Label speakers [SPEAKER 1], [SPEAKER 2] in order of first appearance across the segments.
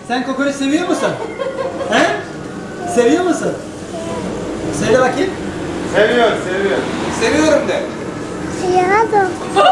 [SPEAKER 1] Sen kokoreç seviyor musun? He? Seviyor musun? Söyle bakayım.
[SPEAKER 2] Seviyor.
[SPEAKER 1] Seviyorum de.
[SPEAKER 3] Siyahım.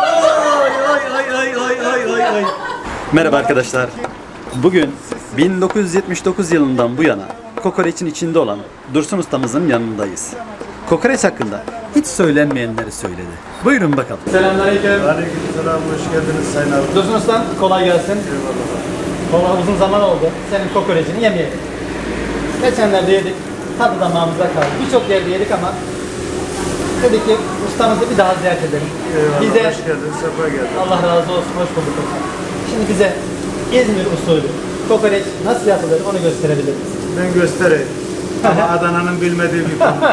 [SPEAKER 1] Ay. Merhaba arkadaşlar. Bugün 1979 yılından bu yana kokoreçin içinde olan Dursun ustamızın yanındayız. Kokoreç hakkında hiç söylenmeyenleri söyledi. Buyurun bakalım. Selamünaleyküm.
[SPEAKER 2] Aleykümselam, hoş geldiniz Sayın abi.
[SPEAKER 1] Dursun ustam kolay gelsin. Valla uzun zaman oldu. Senin kokorecini yemeyelim. Geçenlerde yedik. Tadı damağımıza kaldı. Birçok yerde yedik ama dedik ki ustamızı bir daha ziyaret edelim.
[SPEAKER 2] Eyvallah,
[SPEAKER 1] Bize
[SPEAKER 2] hoş geldin, sefa geldin.
[SPEAKER 1] Allah razı olsun, hoş bulduk. Şimdi bize İzmir usulü kokoreç nasıl yapılır onu gösterebilir misin?
[SPEAKER 2] Ben göstereyim. Ama Adana'nın bilmediği bir konu.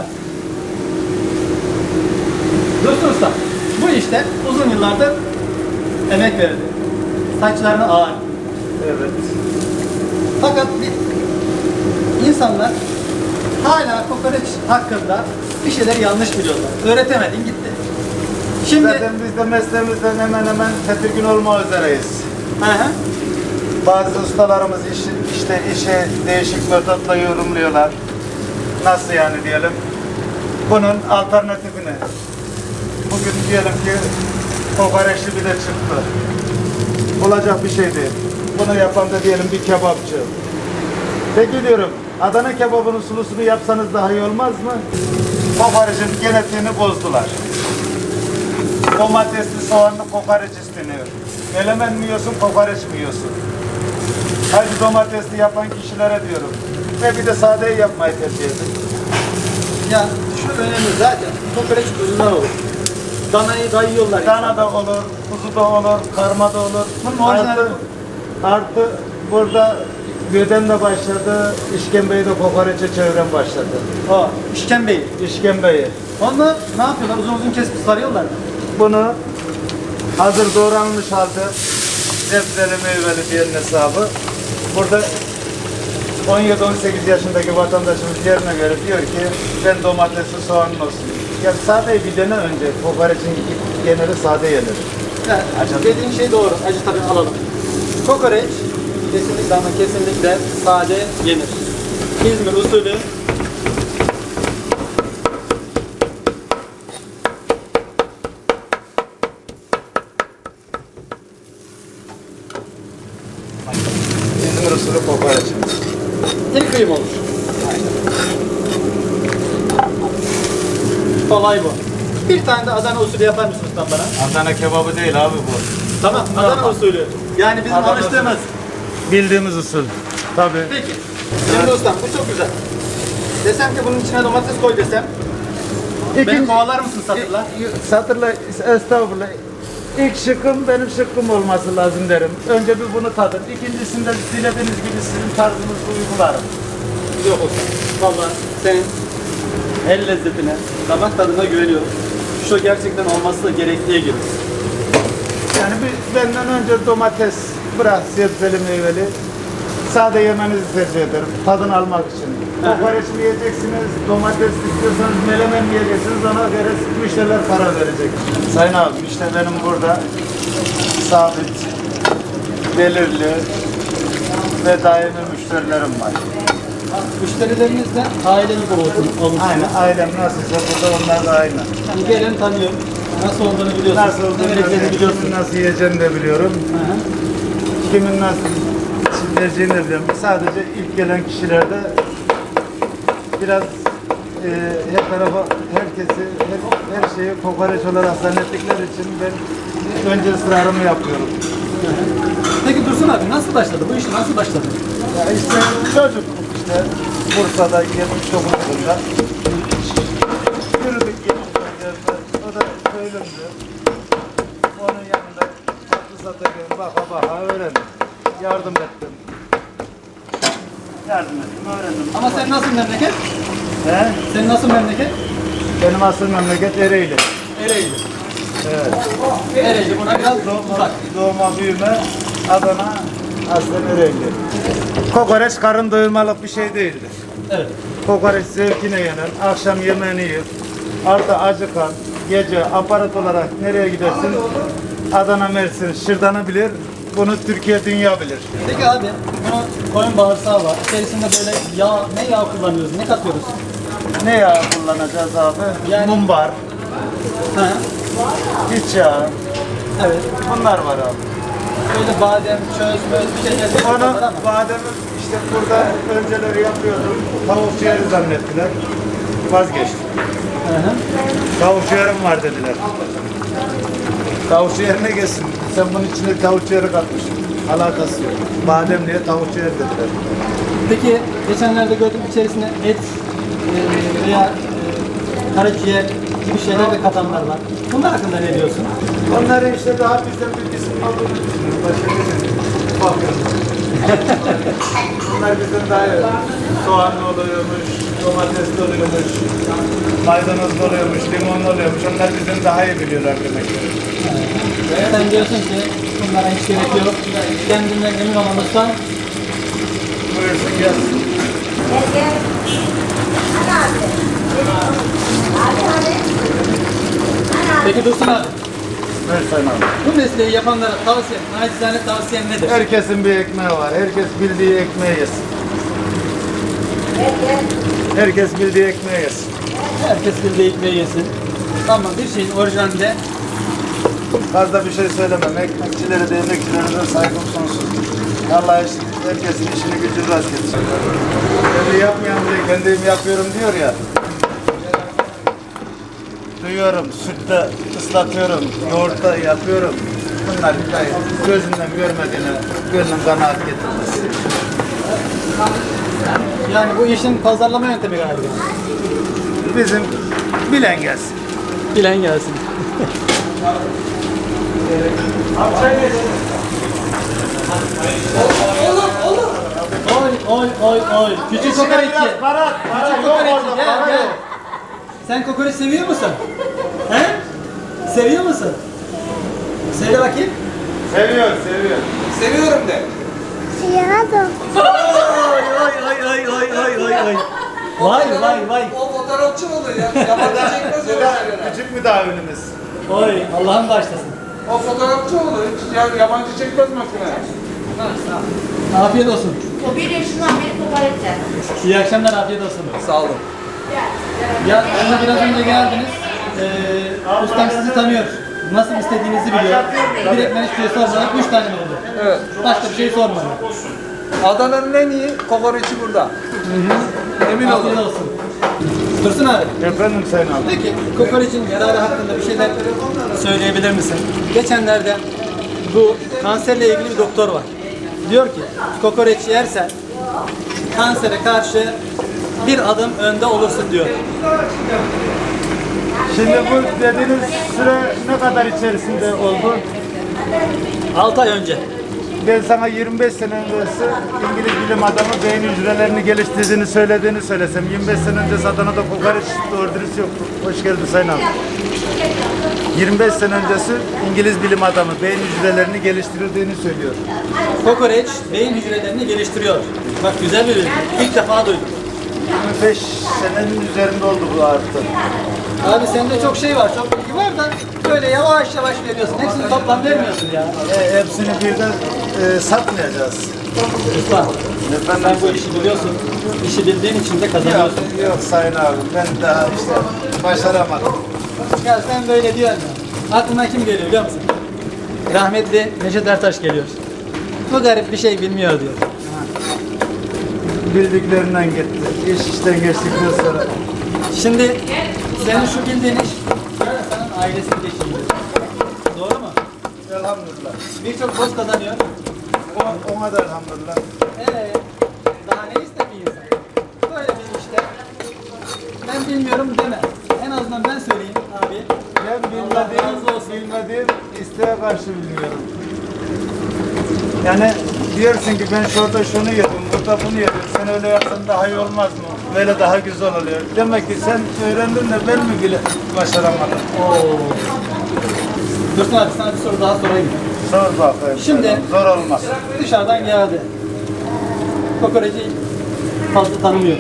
[SPEAKER 1] Dursun usta, bu işte uzun yıllardır emek verildi. Saçlarını ağır.
[SPEAKER 2] Evet.
[SPEAKER 1] Fakat insanlar hala kokoreç hakkında bir şeyler yanlış biliyorlar. Öğretemedin gitti. Şimdi
[SPEAKER 2] Zaten biz de mesleğimizden hemen hemen tedirgin olma üzereyiz.
[SPEAKER 1] hı hı.
[SPEAKER 2] Bazı ustalarımız işe değişik metotla yorumluyorlar. Nasıl yani diyelim? Bunun alternatifini. Bugün diyelim ki kokoreçli bir de çıktı. Olacak bir şey değil. Bunu yapan da diyelim bir kebapçı. Peki diyorum, Adana kebabının sulusunu yapsanız daha iyi olmaz mı? Kokoreçin genetiğini bozdular. Domatesli, soğanlı kokoreç isteniyor. Melemen mi yiyorsun, kokoreç mi yiyorsun? Hadi domatesli yapan kişilere diyorum. Ve bir de sadeyi yapmayı tercih edin.
[SPEAKER 1] Ya şu önemli zaten kokoreç kuzudan olur. Danayı dayıyorlar.
[SPEAKER 2] Dana da olur, kuzu da olur, karma da olur.
[SPEAKER 1] Bunun orijinali
[SPEAKER 2] Artı burada Gödem'de başladı, İşkembe'yi de kokoreçe çeviren başladı.
[SPEAKER 1] o işkembeyi.
[SPEAKER 2] İşkembe'yi.
[SPEAKER 1] Onu ne yapıyorlar? Uzun uzun kesip sarıyorlar.
[SPEAKER 2] Bunu hazır doğranmış halde sebzeli meyveli diyenin hesabı. Burada 17-18 yaşındaki vatandaşımız yerine göre diyor ki ben domatesli soğanlı olsun. Ya sadeyi bir dene önce. Kokoreçin geneli sade yenir.
[SPEAKER 1] Yani dediğin şey doğru. Acı tabii alalım. Kokoreç kesinlikle ama kesinlikle sade yenir. İzmir usulü
[SPEAKER 2] İzmir usulü kokoreçimiz.
[SPEAKER 1] tek kıyım olur. Kolay bu. Bir tane de Adana usulü yapar mısın ustam bana?
[SPEAKER 2] Adana kebabı değil abi bu.
[SPEAKER 1] Tamam, Adana usulü. Yani bizim
[SPEAKER 2] Adana
[SPEAKER 1] alıştığımız.
[SPEAKER 2] Bildiğimiz usul. Tabii.
[SPEAKER 1] Peki. Şimdi ustam bu çok güzel. Desem ki bunun içine domates koy desem. Beni kovalar mısın satırla?
[SPEAKER 2] Satırla, estağfurullah. İlk şıkkım benim şıkkım olması lazım derim. Önce bir bunu tadın. İkincisinde dilediğiniz gibi sizin tarzınızı uygularım.
[SPEAKER 1] Yok ustam. Vallahi senin el lezzetine, damak tadına güveniyorum. Şu gerçekten olması da gerektiği gibi.
[SPEAKER 2] Yani benden önce domates, bırak sebzeli meyveli. Sade yemenizi tercih ederim. Tadını almak için. Kokoreç mi yiyeceksiniz, domates istiyorsanız melemen mi yiyeceksiniz, ona göre müşteriler karar verecek. Sayın abi, işte benim burada sabit, belirli ve daimi müşterilerim var.
[SPEAKER 1] Müşterileriniz de aile gibi olsun.
[SPEAKER 2] Aynı, ailem nasılsa burada onlar da aynı.
[SPEAKER 1] Yani gelen tanıyor. Nasıl olduğunu biliyorsun.
[SPEAKER 2] Nasıl olduğunu
[SPEAKER 1] ne vereceğini
[SPEAKER 2] biliyorum,
[SPEAKER 1] biliyorsun.
[SPEAKER 2] kimin nasıl yiyeceğini de biliyorum.
[SPEAKER 1] Hı hı.
[SPEAKER 2] Kimin nasıl vereceğini de biliyorum. Sadece ilk gelen kişilerde biraz her tarafa, herkesi, her şeyi kokoreç olarak zannettikleri için ben önce ısrarımı yapıyorum.
[SPEAKER 1] Peki Dursun abi nasıl başladı? Bu iş nasıl başladı?
[SPEAKER 2] Ya işte çocukluk işte Bursa'da 79 yılında yürüdük 79 o da köylümdü. Onun yanında tatlı satarken baka öğrendim. Yardım ettim. Öğrendim.
[SPEAKER 1] Ama sen nasıl memleket?
[SPEAKER 2] He?
[SPEAKER 1] Sen nasıl memleket?
[SPEAKER 2] Benim asıl memleket Ereğli.
[SPEAKER 1] Ereğli.
[SPEAKER 2] Evet.
[SPEAKER 1] Ereğli buna biraz uzak.
[SPEAKER 2] Doğma büyüme Adana, aslen Ereğli. Kokoreç karın doyurmalık bir şey değildir.
[SPEAKER 1] Evet.
[SPEAKER 2] Kokoreç zevkine yenir, akşam yemeğini yer. Artı acıkan, gece aparat olarak nereye gidersin? Adana, Mersin, Şırdan'ı bilir. bunu Türkiye dünya bilir.
[SPEAKER 1] Peki abi, bunun koyun bağırsağı var. İçerisinde böyle yağ, ne yağ kullanıyoruz, ne katıyoruz?
[SPEAKER 2] Ne yağ kullanacağız abi?
[SPEAKER 1] Yani-
[SPEAKER 2] Mumbar,
[SPEAKER 1] Ha,
[SPEAKER 2] hiç yağı.
[SPEAKER 1] evet.
[SPEAKER 2] Bunlar var abi.
[SPEAKER 1] Böyle badem, çöz, bir şeyler
[SPEAKER 2] Onu
[SPEAKER 1] yapıyorlar ama.
[SPEAKER 2] bademi işte burada önceleri yapıyordum. Tavuk ciğeri zannettiler. Vazgeçtim.
[SPEAKER 1] Hı hı.
[SPEAKER 2] Tavuk ciğerim var dediler. Tavuk ciğerine geçsin. Sen bunun içine tavuk ciğeri katmışsın. Alakası yok. Badem diye tavuk ciğeri dediler.
[SPEAKER 1] Peki geçenlerde gördüm içerisine et veya karaciğer gibi şeyler de katanlar var. Bunlar hakkında ne diyorsun?
[SPEAKER 2] Onları işte daha bizden bir isim aldığını düşünüyorum. Başka bir şey. Bakıyorum. Bunlar bizden daha iyi. Soğanlı oluyormuş, domatesli oluyormuş, maydanozlu oluyormuş, limonlu oluyormuş. Onlar bizden daha iyi biliyorlar demek ki.
[SPEAKER 1] Sen diyorsun ki bunlara hiç gerek yok. Kendinden emin olmamışsan
[SPEAKER 2] Buyursun gelsin.
[SPEAKER 1] peki Dursun abi,
[SPEAKER 2] Ver Sayın abi.
[SPEAKER 1] bu mesleği yapanlara naçizane tavsiyen nedir?
[SPEAKER 2] Herkesin bir ekmeği var. Herkes bildiği ekmeği yesin. Herkes bildiği ekmeği yesin.
[SPEAKER 1] Herkes bildiği ekmeği yesin. Ama bir şeyin orijinalinde
[SPEAKER 2] Fazla bir şey söylemem. Ekmekçilere de emekçilere de saygım sonsuz. Allah herkesin işini gücünü rast etsin. Kendi yapmayan diye kendim yapıyorum diyor ya. Duyuyorum, sütte ıslatıyorum, yoğurtta yapıyorum. Bunlar gözünden görmediğine gönlüm kanaat getirmez.
[SPEAKER 1] yani bu işin pazarlama yöntemi galiba.
[SPEAKER 2] Bizim bilen gelsin.
[SPEAKER 1] Bilen gelsin. Oy. Küçük kokoreççi.
[SPEAKER 2] Para
[SPEAKER 1] Küçük
[SPEAKER 2] yok
[SPEAKER 1] kokoreççi.
[SPEAKER 2] orada,
[SPEAKER 1] Gel
[SPEAKER 2] para
[SPEAKER 1] gel.
[SPEAKER 2] yok.
[SPEAKER 1] Sen kokoreç seviyor musun? He? Seviyor musun? Söyle bakayım.
[SPEAKER 2] Seviyor.
[SPEAKER 3] Seviyorum de.
[SPEAKER 1] Vay.
[SPEAKER 3] O fotoğrafçı mı oluyor ya? Yabancı çekmez o şeyleri.
[SPEAKER 2] Küçük müdavimimiz.
[SPEAKER 1] Oy Allah'ın başlasın.
[SPEAKER 3] O fotoğrafçı olur. Hiç yabancı çekmez makine.
[SPEAKER 1] Afiyet olsun.
[SPEAKER 4] O bir yaşından beri kokoreçler.
[SPEAKER 1] İyi akşamlar, afiyet olsun.
[SPEAKER 3] Sağ olun.
[SPEAKER 1] Ya ama biraz önce geldiniz. Ustam sizi tanıyor. Nasıl istediğinizi biliyor. Direktmen hiçbir şey sormadan 3 tane mi oldu?
[SPEAKER 3] Evet.
[SPEAKER 1] Başka bir şey sormadı.
[SPEAKER 3] Adana'nın en iyi kokoreçi burada. Emin
[SPEAKER 1] Afiyet
[SPEAKER 3] olun.
[SPEAKER 1] olsun. Dursun abi.
[SPEAKER 2] Efendim Sayın abi.
[SPEAKER 1] Peki kokoreçin yararı hakkında bir şeyler söyleyebilir misin? Geçenlerde bu kanserle ilgili bir doktor var. Diyor ki kokoreç yersen kansere karşı bir adım önde olursun diyor.
[SPEAKER 2] Şimdi bu dediğiniz süre ne kadar içerisinde oldu?
[SPEAKER 1] 6 ay önce.
[SPEAKER 2] Ben sana 25 sene öncesi İngiliz bilim adamı beyin hücrelerini geliştirdiğini söylediğini söylesem 25 sene öncesi Adana'da kokoreç doğru dürüst yoktu. Hoş geldin Sayın abi. 25 sene öncesi İngiliz bilim adamı beyin hücrelerini geliştirdiğini söylüyor.
[SPEAKER 1] Kokoreç beyin hücrelerini geliştiriyor. Bak güzel bir bilgi. İlk defa duydum.
[SPEAKER 2] 25 senenin üzerinde oldu bu artık.
[SPEAKER 1] Abi sende çok şey var, çok bilgi var da böyle yavaş veriyorsun. Hepsini toplam vermiyorsun ya.
[SPEAKER 2] Hepsini birden satmayacağız.
[SPEAKER 1] Usta,
[SPEAKER 2] Efendim,
[SPEAKER 1] sen bu işi biliyorsun. İşi bildiğin için de kazanıyorsun.
[SPEAKER 2] yok Sayın abi ben daha işte başaramadım.
[SPEAKER 1] Ya sen böyle diyorsun ya. Aklıma kim geliyor biliyor musun? Rahmetli Neşet Ertaş geliyor. Bu garip bir şey bilmiyor diyor.
[SPEAKER 2] Bildiklerinden gitti. İş işten geçtikten sonra.
[SPEAKER 1] Şimdi senin şu bildiğin iş senin ailesini geçiriyor. Doğru mu?
[SPEAKER 2] Elhamdülillah.
[SPEAKER 1] Birçok dost kazanıyor.
[SPEAKER 2] Ona da elhamdülillah.
[SPEAKER 1] Daha ne ister bir insan? Böyle bir işte. Ben bilmiyorum deme. En azından ben söyleyeyim abi.
[SPEAKER 2] Ben
[SPEAKER 1] Allah razı olsun.
[SPEAKER 2] bilmediğim isteğe karşı bilmiyorum. Yani diyorsun ki ben şurada şunu yedim, burada bunu yedim. Sen öyle yapsan daha iyi olmaz mı? Böyle daha güzel oluyor. Demek ki sen öğrendin de ben mi bile başaramadım?
[SPEAKER 1] Oo. Dursun abi sana bir soru daha sorayım.
[SPEAKER 2] Sor bakayım.
[SPEAKER 1] Şimdi-
[SPEAKER 2] zor olmaz.
[SPEAKER 1] Dışarıdan geldi. Kokoreci fazla tanımıyor.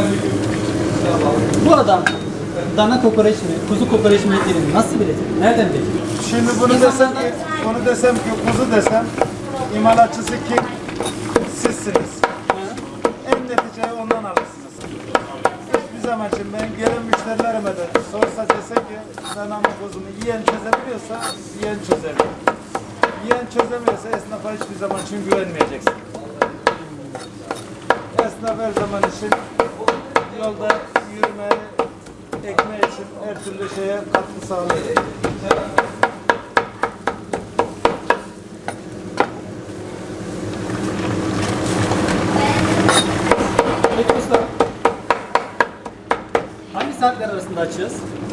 [SPEAKER 1] Bu adam dana kokoreç mi, kuzu kokoreç mi yediğini nasıl bilecek? Nereden bilecek?
[SPEAKER 2] Şimdi bunu desem ki kuzu desem İmalatçısı kim? Sizsiniz. En neticeyi ondan alırsınız. Hiçbir zaman için ben gelen müşterilerime de sorsa dese ki dananın bozunu yiyen çözebiliyorsa yiyen çözer. Yiyen çözemiyorsa esnafa hiçbir zaman için güvenmeyeceksin. Esnaf her zaman için yolda yürüme, ekmeği için her türlü şeye katkı sağlıyor.
[SPEAKER 1] Peki usta. Hangi saatler arasında açığız?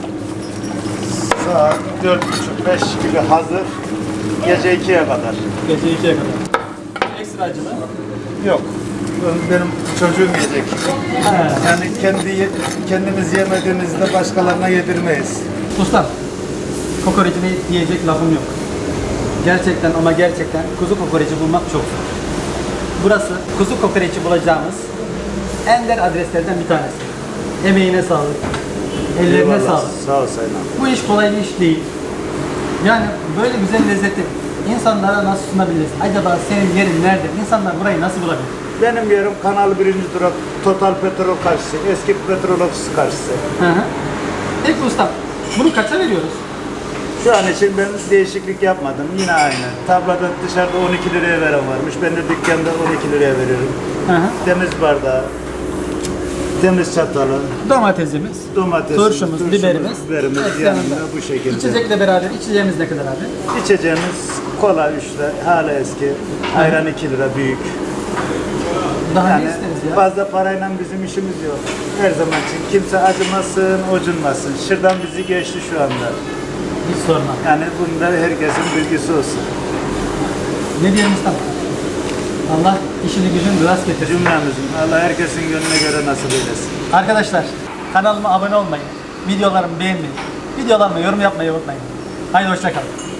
[SPEAKER 2] Saat 4.30-5 gibi hazır. Gece 2'ye kadar.
[SPEAKER 1] Gece 2'ye kadar. Ekstra acı mı?
[SPEAKER 2] Yok. Benim çocuğum yiyecek. Yani kendimiz yemediğimizde başkalarına yedirmeyiz.
[SPEAKER 1] Ustam, kokoreçine diyecek lafım yok. Gerçekten ama gerçekten kuzu kokoreci bulmak çok zor. Burası kuzu kokoreci bulacağımız ender adreslerden bir tanesi. Emeğine sağlık, ellerine
[SPEAKER 2] Eyvallah.
[SPEAKER 1] sağlık.
[SPEAKER 2] Sağ ol Sayın abi.
[SPEAKER 1] Bu iş kolay bir iş değil. Yani böyle güzel lezzeti insanlara nasıl sunabilirsin? Acaba senin yerin nerede? İnsanlar burayı nasıl bulabilir?
[SPEAKER 2] Benim yerim Kanal 1. Durak Total Petrol karşısı. Eski petrol ofisi karşısı.
[SPEAKER 1] Hı hı. Peki ustam, bunu kaça veriyoruz?
[SPEAKER 2] Şu an için ben değişiklik yapmadım. Yine aynı. Tablada dışarıda 12 liraya veren varmış. Ben de dükkanda 12 liraya veriyorum.
[SPEAKER 1] Hı hı.
[SPEAKER 2] Temiz bardağı, temiz çatalı,
[SPEAKER 1] Domatesimiz,
[SPEAKER 2] domatesimiz,
[SPEAKER 1] turşumuz, biberimiz,
[SPEAKER 2] biberimiz
[SPEAKER 1] et
[SPEAKER 2] yanında
[SPEAKER 1] yanında.
[SPEAKER 2] bu şekilde.
[SPEAKER 1] İçecekle beraber içeceğimiz ne kadar abi?
[SPEAKER 2] İçeceğimiz kola 3 lira, hala eski. Ayran 2 lira büyük.
[SPEAKER 1] Daha
[SPEAKER 2] Yani
[SPEAKER 1] ne isteriz ya?
[SPEAKER 2] fazla parayla bizim işimiz yok. Her zaman için kimse acımasın, ocunmasın. Şırdan bizi geçti şu anda.
[SPEAKER 1] Hiç sorma.
[SPEAKER 2] Yani bunda herkesin bilgisi olsun.
[SPEAKER 1] Ne diyelim ustam? Allah işini gücünü rast getirsin.
[SPEAKER 2] Cümlemizin. Allah herkesin gönlüne göre nasip eylesin.
[SPEAKER 1] Arkadaşlar kanalıma abone olmayı, videolarımı beğenmeyi, videolarıma yorum yapmayı unutmayın. Haydi hoşça kalın.